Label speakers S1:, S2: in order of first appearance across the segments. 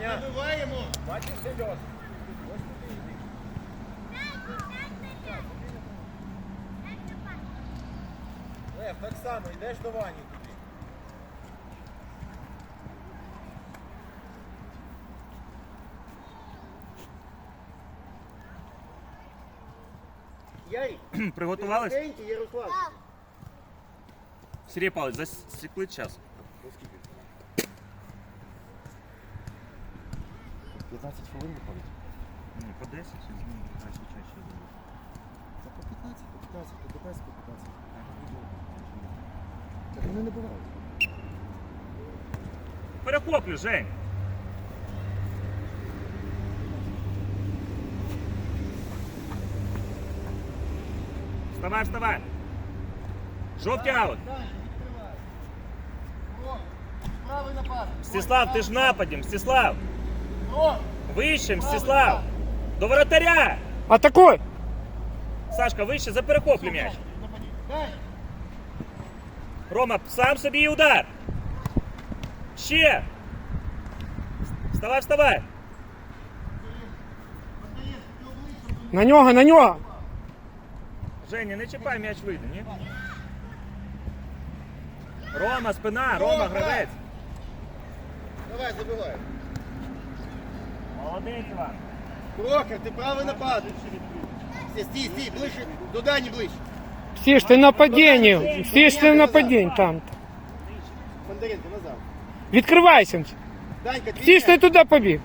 S1: Даня.
S2: Забиваємо.
S1: Бачиш, Серьож? Лев, так само, йдеш до Вані туди.
S2: Ярик,
S3: Приготувались?
S2: тихенький, Ярослав.
S3: Сергій Павлович, засікли час.
S1: 15 хвилин виходить.
S3: Ні, по 10 чи змінити краще чаще зробити.
S1: Та по 15, по 15, то ДПС по 15. Так вони не бувають.
S3: Перехоплю, Жень. Вставай, вставай. Жовтий аут.
S2: Даня, відкривай. О, правий напад.
S3: Мстислав, ти ж в нападі, Мстислав.
S2: О,
S3: Вище, Мстислав. До воротаря.
S4: Атакуй!
S3: Сашка, вище, за перехоплю м'яч.
S2: Даня.
S3: Рома, сам собі і удар. Ще. Вставай, вставай.
S4: На нього, на нього!
S3: Женя, не чіпай, м'яч вийде, ні? Рома, спина, Рома, гравець.
S2: Давай, забивай.
S3: Молодець, Іван.
S2: Прохор, ти правий напад. Стій, ближче, до Дані ближче.
S4: Всі ж ти в нападінні, всі ж ти в нападінні там.
S2: Бондаренко, назад.
S4: Відкривайся.
S2: Данька,
S4: Всі ж ти туди побіг.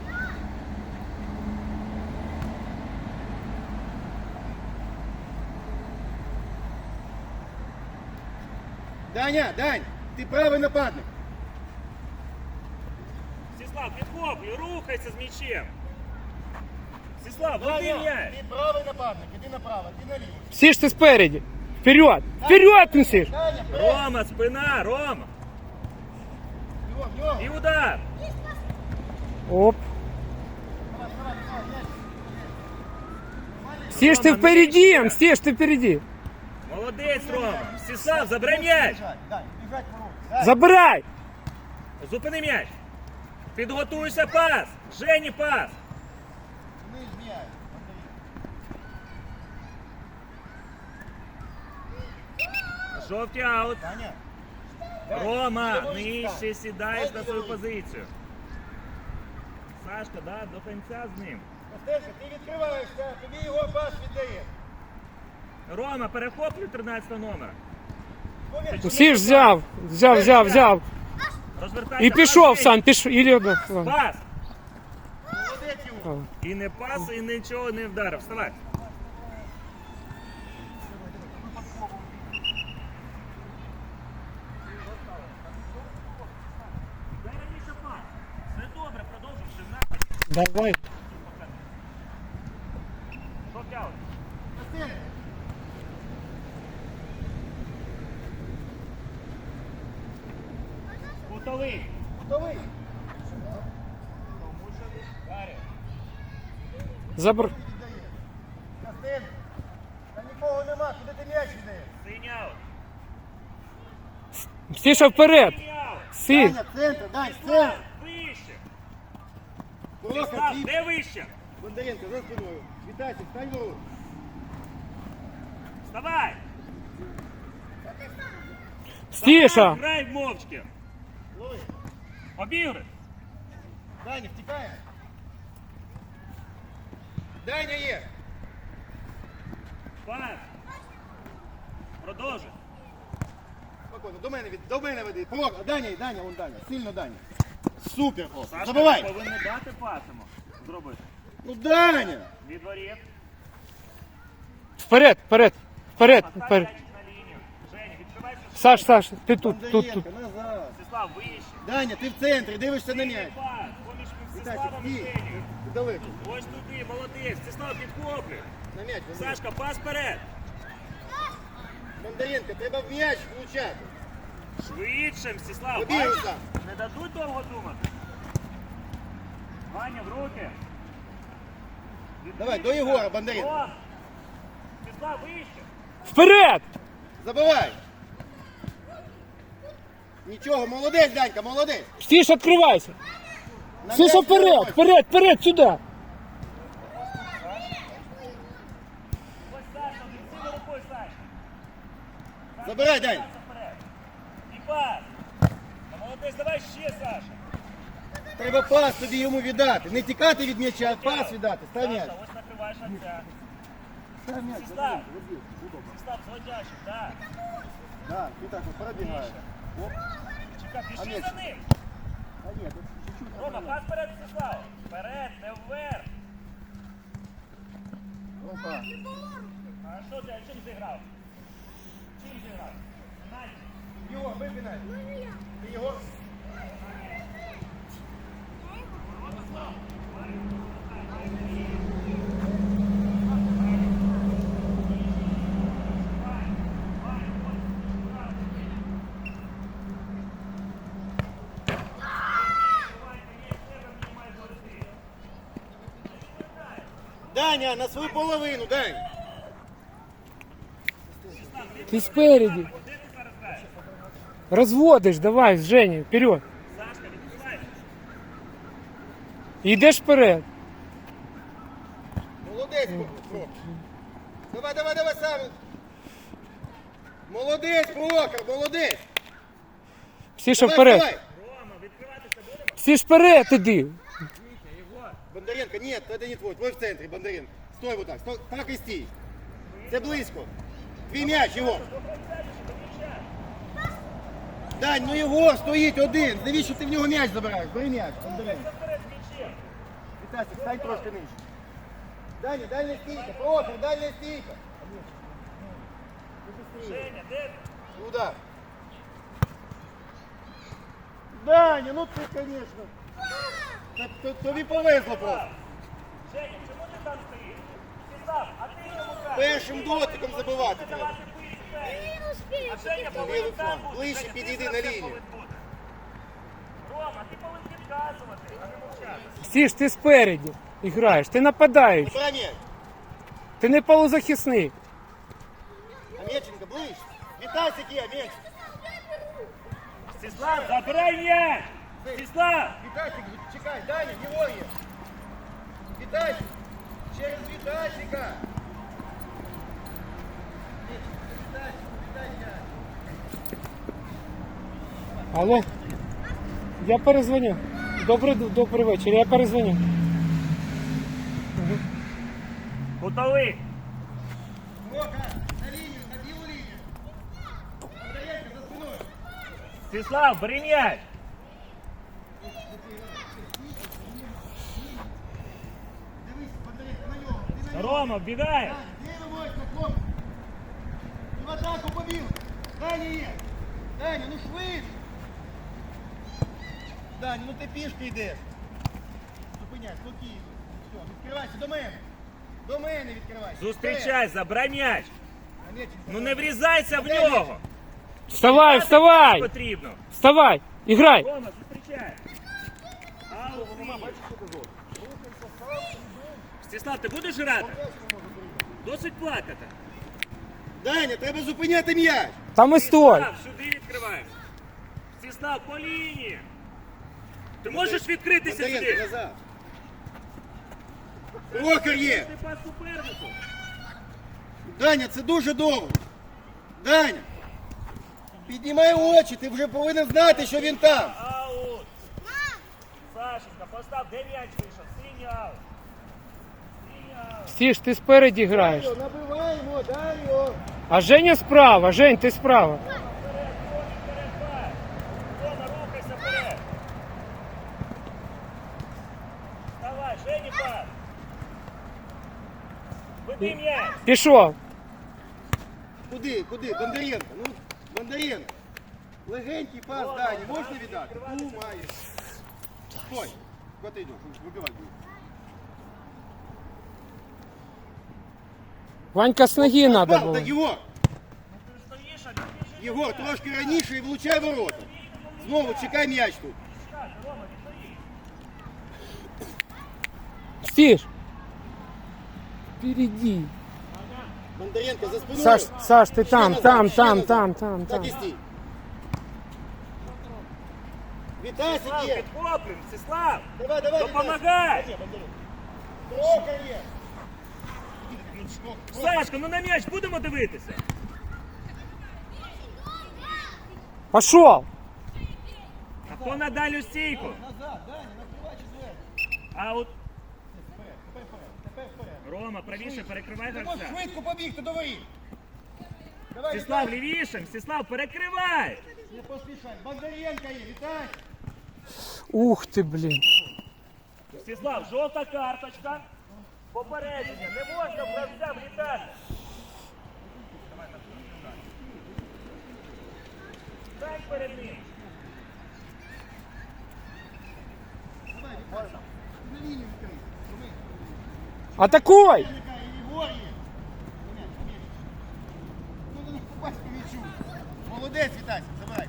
S2: Даня, Дань, ти правий нападник.
S3: Мстислав, підхоплюй, рухайся з м'ячем. Мстислав, води
S2: Даня,
S3: м'яч.
S2: ти правий нападник, іди направо, ти наліво.
S4: Всі ж ти спереді. Вперед! Вперед, Мсиш!
S2: Даня, вперед.
S3: Рома, спина, Рома.
S2: В нього.
S3: І удар.
S4: Оп. Всі ж ти впереді, всі ж ти впереді.
S3: Молодець, Рома. Мстислав, забирай м'яч.
S2: Дань, біжать ворот.
S4: Забирай!
S3: Зупини м'яч. Підготуйся, пас. Жені, пас.
S2: Вниз м'яч.
S3: Жовтий аут.
S2: Даня.
S3: Рома, нижче сідаєш на свою позицію. Сашка, да, до кінця з ним.
S2: Костелька, ти відкриваєшся, тобі його пас віддає.
S3: Рома, перехоплюй 13 номера.
S4: Всі ж взяв.
S3: Розвертайся.
S4: І пішов
S3: пас,
S4: сам, пішов.
S3: Пас.
S2: Молодець його.
S3: І не пас, і нічого не вдарив. Вставай. Дай раніше пас. Все добре, продовжуй, все в нападі.
S4: Давай.
S3: Жовтий аут.
S2: Костелька.
S3: Кутовий.
S2: Готовий?
S4: Забр.
S2: Костелька. Та нікого нема, куди ти м'яч віддаєш?
S3: Синій аут.
S4: Всі вперед.
S3: Синій аут.
S4: Всі.
S2: Даня, центр, Дань, центр.
S3: Вище.
S2: Прохор,
S3: Став,
S2: ти.
S3: де вище?
S2: Бондаренко, за спиною. Вітайся, встань ворот.
S3: Вставай.
S4: Стіша.
S3: Грай мовчки.
S2: Лови.
S3: Обігри.
S2: Даня, втікає. Даня є.
S3: Пас. Продовжуй.
S2: Спокійно, до мене веди. Прохор, Даня, вон Даня. Сильно Даня. Супер, Прохор.
S3: Сашка,
S2: Забивай.
S3: ти повинен дати пас йому зробити.
S2: Ну, Даня.
S3: Від воріт.
S4: Вперед.
S3: Поставь
S4: Вперед.
S3: м'ячик на лінію. Женя, відкривайся.
S4: Саш, ти тут.
S2: Бондаренко, назад.
S3: Мстислав, вище.
S2: Даня, ти в центрі, дивишся на м'яч.
S3: Пас. Поміж
S2: Вітайся,
S3: Мстиславом і
S2: стій.
S3: Женю.
S2: Ти далеко.
S3: Ось туди, молодець. Мстислав, підхоплюй.
S2: На м'яч, Бондаренко.
S3: Сашка, пас вперед.
S2: Бондаренко, треба в м'яч влучати.
S3: Швидше, Мстислав.
S2: Побігли
S3: Бачиш?
S2: там.
S3: Не дадуть довго думати. Ваня, в руки.
S2: Давай, до Єгора, Бондаренко.
S3: О! Мстислав, вище.
S4: Вперед!
S2: Забивай. Нічого, молодець, Данька, молодець.
S4: Всі ж відкривайся. Стиш, вперед, вперед, вперед, сюда.
S3: Ось Саша, сильно рукою, Саша.
S2: Забирай, Дань.
S3: Вперед. І пас. Молодець, давай ще, Саша.
S2: Треба пас тобі йому віддати. Не тікати від м'яча, а пас віддати. Став м'яч.
S3: Саша, ось накриваєш отця.
S2: Став м'яч.
S3: Став. Став, зводящий, так.
S2: Да, ти так от пробігаєш. Оп.
S3: Чекай,
S2: А
S3: пішли
S2: м'яч?
S3: за ним.
S2: А ні, тут чуть-чуть.
S3: Рома, пас вперед, Вячеслав. Вперед, не вверх.
S2: Опа.
S3: А що ти, чим зіграв? Чим зіграв? Навіть.
S2: Його, випинай. Ти його. Даня, на свою половину, Дань.
S4: Ты спереди. Разводишь, давай, Женя, вперед.
S3: Сашка, відпускайся.
S4: Йдеш вперед.
S2: Молодець, Прохор. Давай, давай, давай сам. Молодець, Прохор, молодець.
S4: Стіша
S2: Давай,
S4: вперед.
S2: давай.
S3: Рома, відкриватися будемо?
S4: Стіш вперед іди.
S2: Бондаренко, нет, это не твой. Твой в центре, Бондаренко. Стой вот так, стой, так и стій. Це близько. Твій м'яч, його. Дань, ну його, стоїть один. Навіщо ти в нього м'яч забираєш? Бери м'яч, Бондаренко.
S3: Вперед з м'ячем.
S2: Вітасик, стань трошки нижче. Даня, дальня стійка, Прохор, дальня стійка.
S3: Женя, де ти?
S2: Удар. Даня, ну ти, конечно. Тобі повезло просто.
S3: Женя, чому ти там стоїш? Став, а ти чому кажеш?
S2: Першим дотиком забивати треба.
S3: Давати пиці. А Женя повинен
S2: Лівий
S3: там
S2: фланг,
S3: бути.
S2: ближче
S3: Женя, ти
S2: підійди
S3: за
S2: на
S3: це
S2: лінію.
S3: повинен бути. Рома, ти повинен підказувати, а не мовчати.
S4: Стіш, ти спереді граєш, ти нападаєш,
S2: Забирай м'яч.
S4: ти не полузахисник.
S2: А Меченко ближче. Вітасик є, м'яч.
S3: Стіслав, забирай м'яч! Стіслав!
S2: Вітасик, чекай, Даня, його є. Вітасик. Через Вітасика.
S4: Алло, я перезвоню. Добрий вечір, я перезвоню.
S3: Готовий!
S2: Мока, на лінію, на білу лінію. Бондаренко за спиною.
S3: Стіслав, бери м'яч!
S2: Дивись, Бондаренко, на нього. Ти на нього.
S3: Рома, вбігає!
S2: Дивимось, хлоп. І в атаку побіг. Даня є. Даня, ну швидше. Даня, ну ти пішки йдеш. Зупиняй, спокійно. Все, відкривайся до мене. До мене відкривайся.
S3: Зустрічай, забирай м'яч!
S2: А Меченко,
S3: Ну не врізайся в нього!
S4: Вставай, вставай!
S3: Потрібно!
S4: Вставай, іграй!
S3: Рома, зустрічай! Аут, Стіслав, ти будеш грати? Досить плакати.
S2: Даня, треба зупиняти м'яч.
S4: Там і стой!
S3: Стіслав, сюди відкриваєш. Стіслав, по лінії. Ти можеш відкритися
S2: Бондаренко,
S3: сюди?
S2: назад. Прохор є.
S3: Ти пас супернику.
S2: Даня, це дуже довго. Даня, піднімай очі, ти вже повинен знати, що він там.
S3: Аут. Сашенька, постав, де м'яч вийшов? Синій аут. Синій аут.
S4: Стіш, ти спереді граєш.
S2: Набиваємо, Даню.
S4: А Женя справа, Жень, ти справа.
S3: Вперед, пас. Рома, рухайся вперед. Давай, Жені пас. Веди м'яч.
S4: Пішов.
S2: Куди? Бондаренко, ну, Бондаренко. Легенький пас, Дані, можна віддати? Ну, має. Стой. Куди ти йдеш? Вибивай.
S4: Ванька з ноги треба
S2: Так,
S4: було.
S2: так, Єгор,
S3: Ти стоїш, а він біжить.
S2: Єгор, трошки раніше і влучай ворота. Знову чекай м'яч тут.
S3: Рома, відстоїть.
S4: Стіш. Впереди.
S2: Бондаренко за спиною.
S4: Саш, ти
S2: Ще
S4: там,
S2: назад,
S4: там,
S2: ще
S4: там,
S2: назад.
S4: там, там,
S2: Так
S4: там.
S2: і стій. Вітасик
S3: Сіслав,
S2: є.
S3: підхоплюємо, Сіслав.
S2: Давай, давай,
S3: Допомагай.
S2: Трохи є.
S3: Сашка, ну на м'яч будемо дивитися?
S4: Пошел.
S3: А хто на дальню стійку?
S2: Назад, Даня, накривай четвертий.
S3: А от
S2: Тепер вперед, тепер вперед.
S3: Рома, правіше перекривай
S2: Ти можеш
S3: гравця.
S2: швидко побігти до воріт. Давай,
S3: Сіслав,
S2: Віталій.
S3: лівішим, Сіслав, перекривай.
S2: Не поспішай. Бондаренко є, Віталій.
S4: Ух ты, блин.
S3: Сіслав, жовта карточка. Попередження, не можна гравця влітати. Стань перед ним.
S2: На лінію відкрий. Роми.
S4: Атакуй.
S2: Яка і Єгор є. Пом'яч, пом'яч. Ну, до них попасть по м'ячу. Молодець, Вітасик, забирай.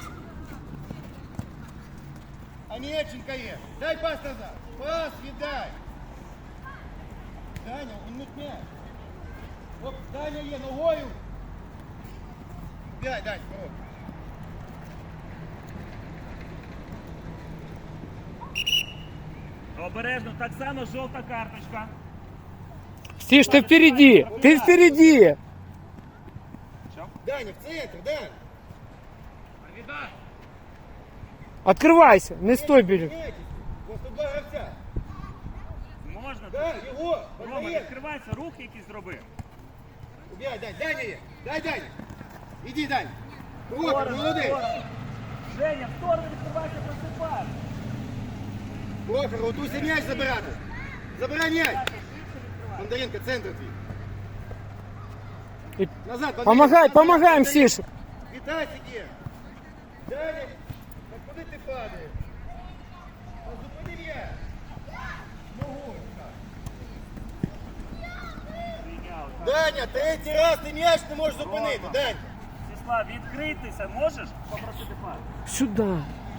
S2: А Нєченка є. Дай пас назад. Пас віддай. Даня, він не м'яч. Оп, Даня є, ногою. Дай, Дань, порог.
S3: Обережно, так само жовта карточка.
S4: Стиш, ты впереди. Ты впереди.
S2: Даня, в центр, Даня.
S4: Открывайся. Не стой, бери.
S2: Просто два гравця.
S3: Можна?
S2: Да, його.
S3: Рома,
S2: Бондаренко.
S3: відкривайся, рух якийсь зроби.
S2: Убегай, Дань, Даня є. Дай, Даня. Іди, Дань. Прохор, молодець.
S3: Женя, в сторону відкривайся, просипай.
S2: Прохор, готуйся м'яч забирати. Забирай м'яч. Бондаренко, центр твій.
S4: И
S2: Назад, Бондаренко.
S4: Помогай,
S2: назад,
S4: помогаем,
S2: Бондаренко.
S4: Сиша.
S2: Вітасик є. Даня, так куди ти падаєш? Ну, зупини м'яч. Ногою.
S3: Прийняв.
S2: Даня, третій раз ти м'яч не можеш зупинити.
S3: Рома.
S2: Дань.
S3: Сіслав, відкритися можеш попросити пас?
S4: Сюда.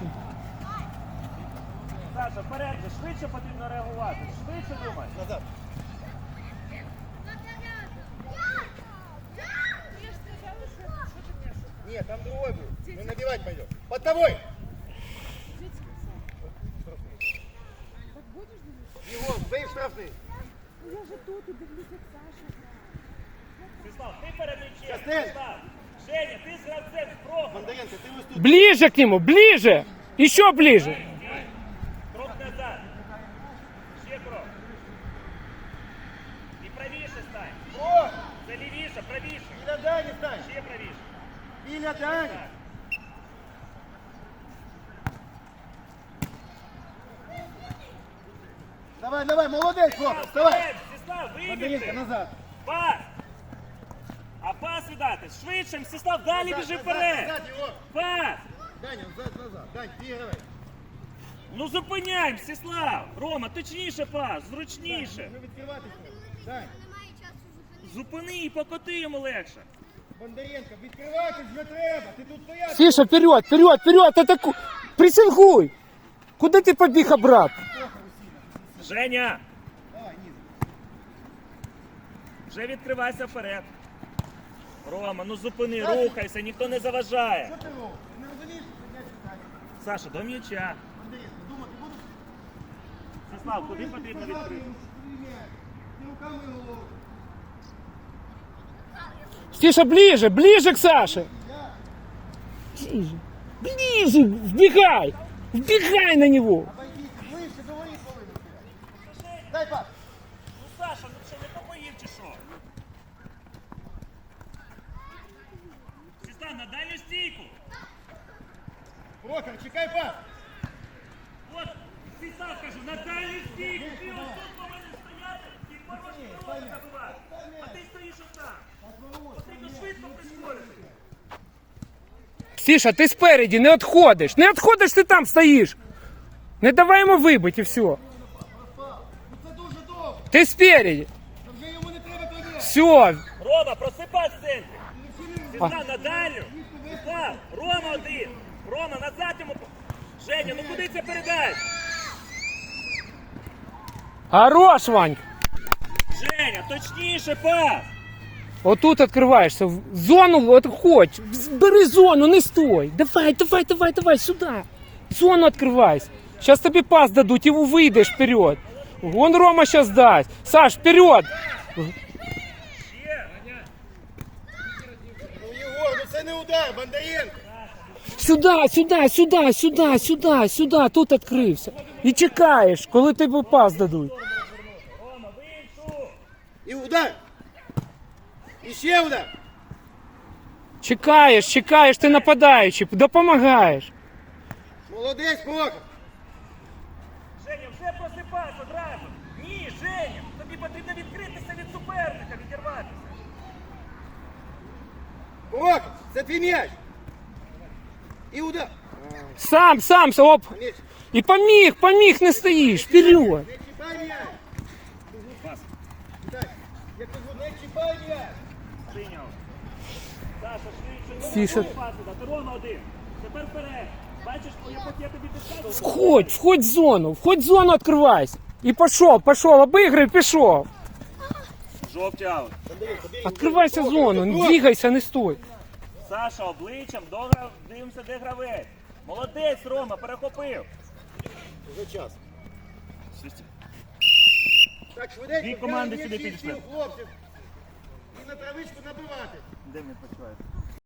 S3: Саша, вперед, же, швидше потрібно реагувати. Швидше думай.
S2: Назад. Нет, там другой будет. Мы набивать пойдем. Под тобой. Его, бей штрафный.
S5: Я же тут и дивлюсь, як Саша грає.
S3: Сіслав, ти перед м'ячем.
S2: Костель.
S3: Сіслав. Женя, ти з гравцем спробуй.
S2: Бондаренко, ты выступил.
S4: Ближе к нему, ближе. Еще ближе.
S3: Крок назад. Ще крок. І правіше стань.
S2: О,
S3: Це лівіше, правіше.
S2: Иля Дани стань.
S3: Ще правіше.
S2: Иля Дани.
S3: Так.
S2: Давай, давай, молодец, Флот, вставай.
S3: Вперед, Сіслав,
S2: Бондаренко,
S3: вибігти.
S2: назад.
S3: Пас. А пас віддати. Швидше, Сіслав, далі
S2: Назад,
S3: біжи
S2: назад,
S3: вперед.
S2: назад его.
S3: Пас.
S2: Даня, назад. Дань, переграй.
S3: Ну зупиняємо, Сіслав. Рома, точніше пас, зручніше.
S2: Вже відкриватися. Дань,
S3: Зупини і покоти йому легше.
S2: Бондаренко, відкриватись вже треба. Ти тут стояти.
S4: Сиша, вперед, вперед, вперед. Атакуй. Прессингуй. Куда ты побег обратно?
S3: Женя,
S2: Давай, низ.
S3: вже відкривайся вперед. Рома, ну зупини, рухайся, ніхто не заважає.
S2: Що ти робиш? Ти не розумієш, що м'яч віддати?
S3: Саша, до м'яча.
S2: Бондаренко, думати будеш?
S3: Сіслав, куди потрібно відкрити?
S2: Ти руками і головою.
S4: Стиша, ближе, ближе к Саше. Ближе. Ближе. Вбегай. Вбегай на него.
S2: Обойдіть, ближче до воріт повинен стояти. Дай пас.
S3: Ну Саша, ну що, не попоїв чи що? Сіслав, на дальню стійку.
S2: Прохор, чекай пас.
S3: От, Сіслав, кажу, на дальню стійку. Ти ось тут повинен стояти і порожні ворота забивати. А ти стоїш отам. Потрібно швидко прискорити.
S4: Стиша, ты спереди, не отходишь. Не отходишь, ты там стоишь. Не давай ему выбыть и все.
S2: Ну це дуже довго.
S4: Ты спереди.
S2: Та вже йому не треба той м'яч.
S4: Все.
S3: Рома, просипай в центрі. Сіслав на дальню. Сіслав, Рома один. Рома, назад йому. Женя, ну куди це передаєш?
S4: Хорош, Вань.
S3: Женя, точніше пас.
S4: Вот тут открываешься. В зону вот хоть. Бери зону, не стой. Давай, давай, давай, давай, сюда. Зону открывайся. Сейчас тебе пас дадут, и выйдешь вперед. Вон Рома сейчас даст. Саш, вперед.
S2: Ну, Єгор, ну це не удар, Бондаренко.
S4: Сюда, сюда, сюда, сюда, сюда, сюда. Тут відкрився. І чекаєш, коли тобі пас дадуть.
S3: Рома, в іншу!
S2: І удар. І ще удар.
S4: Чекаєш, чекаєш, ти нападаючий, допомагаєш.
S2: Молодець, Прохор.
S3: Женя, вже просипайся одразу! Ні, Женя! Тобі потрібно відкритися від суперника, відірватися!
S2: Прохор, це твій м'яч. І удар.
S4: Сам, оп.
S2: М'яч.
S4: І поміг, не стоїш, вперед.
S2: Не чіпай м'яч. Так, я кажу, не чіпай м'яч.
S3: Прийняв. Саша, швидше.
S4: Тише.
S3: Пас дати. Рома один. Тепер вперед. Бачиш, поки я тобі підказую.
S4: Входь в зону відкривайся. І пішов, обіграй, пішов.
S3: Жовтий аут.
S4: Відкривайся зону, не двигайся, не стой.
S3: Саша, обличчям, дивимося, де гравець. Молодець, Рома, перехопив.
S2: Вже час. Так, швиденько.
S3: Дві команди
S2: взяли
S3: сюди
S2: м'ячі,
S3: підійшли.
S2: всіх хлопців. І на травичку набивати.
S3: Де він почуває?